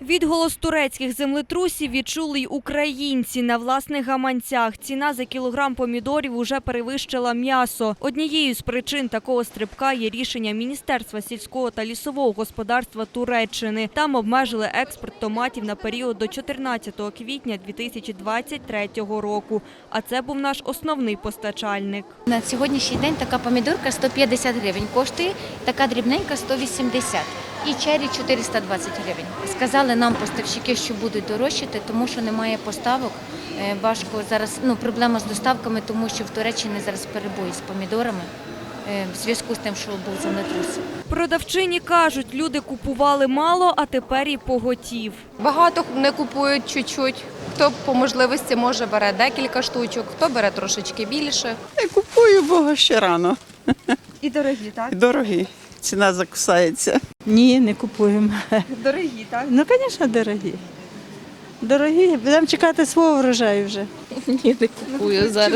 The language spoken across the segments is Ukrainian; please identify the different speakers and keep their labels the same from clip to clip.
Speaker 1: Відголос турецьких землетрусів відчули й українці на власних гаманцях. Ціна за кілограм помідорів уже перевищила м'ясо. Однією з причин такого стрибка є рішення Міністерства сільського та лісового господарства Туреччини. Там обмежили експорт томатів на період до 14 квітня 2023 року. А це був наш основний постачальник.
Speaker 2: На сьогоднішній день така помідорка 150 гривень коштує, така дрібненька 180 і чері 420 гривень. Сказали нам поставщики, що будуть дорожчати, тому що немає поставок. Важко зараз, проблема з доставками, тому що в Туреччині зараз перебої з помідорами в зв'язку з тим, що був землетрус.
Speaker 1: Продавчині кажуть, люди купували мало, а тепер і поготів.
Speaker 3: Багато не купують чуть-чуть. Хто по можливості може бере декілька штучок, хто бере трошечки більше.
Speaker 4: Не купую, бо ще рано.
Speaker 1: І дорогі, так?
Speaker 4: Дорогі. Ціна закусається.
Speaker 5: Ні, не купуємо.
Speaker 1: Дорогі, так?
Speaker 5: Ну, звісно, дорогі. Дорогі. Будемо чекати свого врожаю вже.
Speaker 6: Ні, не купую зараз.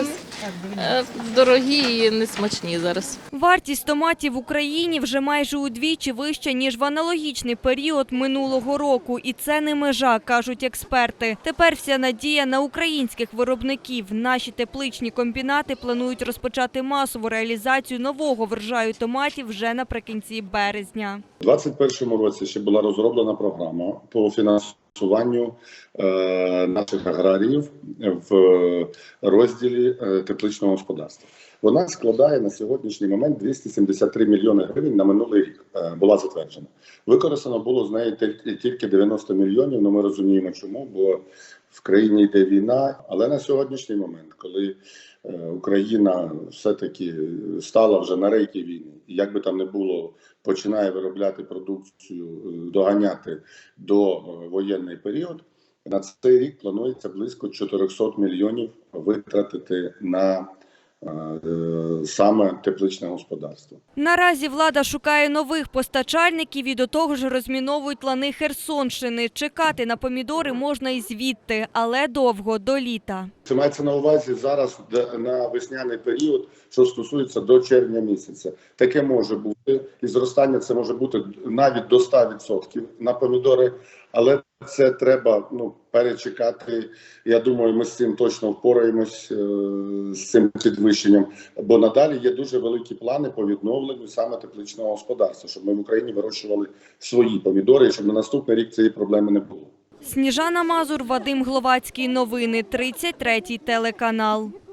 Speaker 6: Дорогі і несмачні зараз.
Speaker 1: Вартість томатів в Україні вже майже удвічі вища, ніж в аналогічний період минулого року. І це не межа, кажуть експерти. Тепер вся надія на українських виробників. Наші тепличні комбінати планують розпочати масову реалізацію нового врожаю томатів вже наприкінці березня.
Speaker 7: У 2021 році ще була розроблена програма по фінансуванню наших аграріїв в розділі тепличного господарства. Вона складає на сьогоднішній момент 273 мільйони гривень на минулий рік, була затверджена. Використано було з неї тільки 90 мільйонів, але ми розуміємо чому, бо в країні йде війна. Але на сьогоднішній момент, коли Україна все-таки стала вже на рейки війни, і як би там не було, починає виробляти продукцію, доганяти до воєнний період, на цей рік планується близько 400 мільйонів витратити на саме тепличне господарство.
Speaker 1: Наразі влада шукає нових постачальників і до того ж розміновують лани Херсонщини. Чекати на помідори можна і звідти, але довго, до літа.
Speaker 7: Це мається на увазі зараз на весняний період, що стосується до червня місяця. Таке може бути, і зростання це може бути навіть до 100% на помідори, але це треба перечекати. Я думаю, ми з цим точно впораємось, з цим підвищенням, бо надалі є дуже великі плани по відновленню саме тепличного господарства, щоб ми в Україні вирощували свої помідори, і щоб на наступний рік цієї проблеми не було.
Speaker 1: Сніжана Мазур, Вадим Гловацький. Новини, 33-й телеканал.